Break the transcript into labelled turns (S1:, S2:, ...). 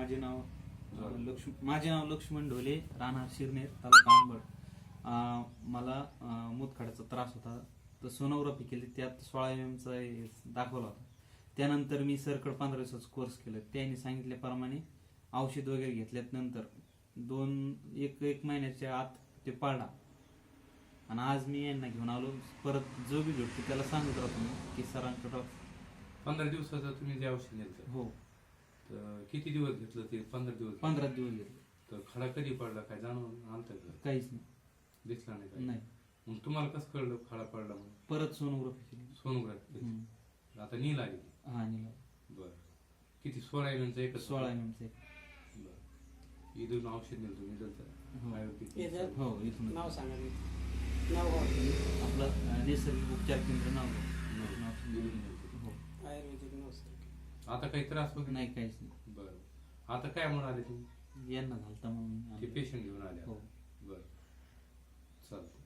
S1: माझे नाव लक्ष्मण ढोले, राहणार शिरनेर, तालुका अंबड. मला मूतखड्याचा त्रास होता. तर सोनोग्राफी केली, त्यात 16 mm चा दाखवला होता. त्यानंतर मी सरकड 15 दिवसाचा कोर्स केला. त्यांनी सांगितल्याप्रमाणे औषध वगैरे घेतल्यात नंतर एक महिन्याच्या आत ते पाळला. आणि आज मी यांना घेऊन आलो. परत जो बी भेटतो त्याला सांगत राहतो मी की सरांकडं
S2: 15 दिवसाचं तुम्ही जे औषध घेतलं,
S1: हो.
S2: तर किती दिवस घेतलं ते? 15 दिवस.
S1: 15 दिवस घेतले.
S2: तर खडा कधी पडला, काय जाणून आलतं का?
S1: काहीच नाही,
S2: दिसला नाही काय?
S1: नाही.
S2: मग तुम्हाला कसं कळलं खडा पडला म्हणून?
S1: परत सोनोग्राफी केली.
S2: सोनोग्राफी केली. आता नील आली.
S1: हा, निला.
S2: बर. किती? 16 mm चा एकच?
S1: 16 mm चा.
S2: बर. इथून औषध नेलं तुम्ही
S1: हो.
S2: आयुर्वेदिक?
S1: हो, इथून.
S3: नाव सांगा. नाव
S1: आपलं नैसर्गिक उपचार केंद्र नाव. हो.
S3: आयुर्वेदिक नाव सर.
S2: आता काही त्रास वगैरे
S1: नाही, काहीच नाही.
S2: बरं. आता काय म्हणून आले तुम्ही?
S1: यांना झालता म्हणून
S2: ते पेशंट घेऊन आले?
S1: हो.
S2: बरं, चालतं.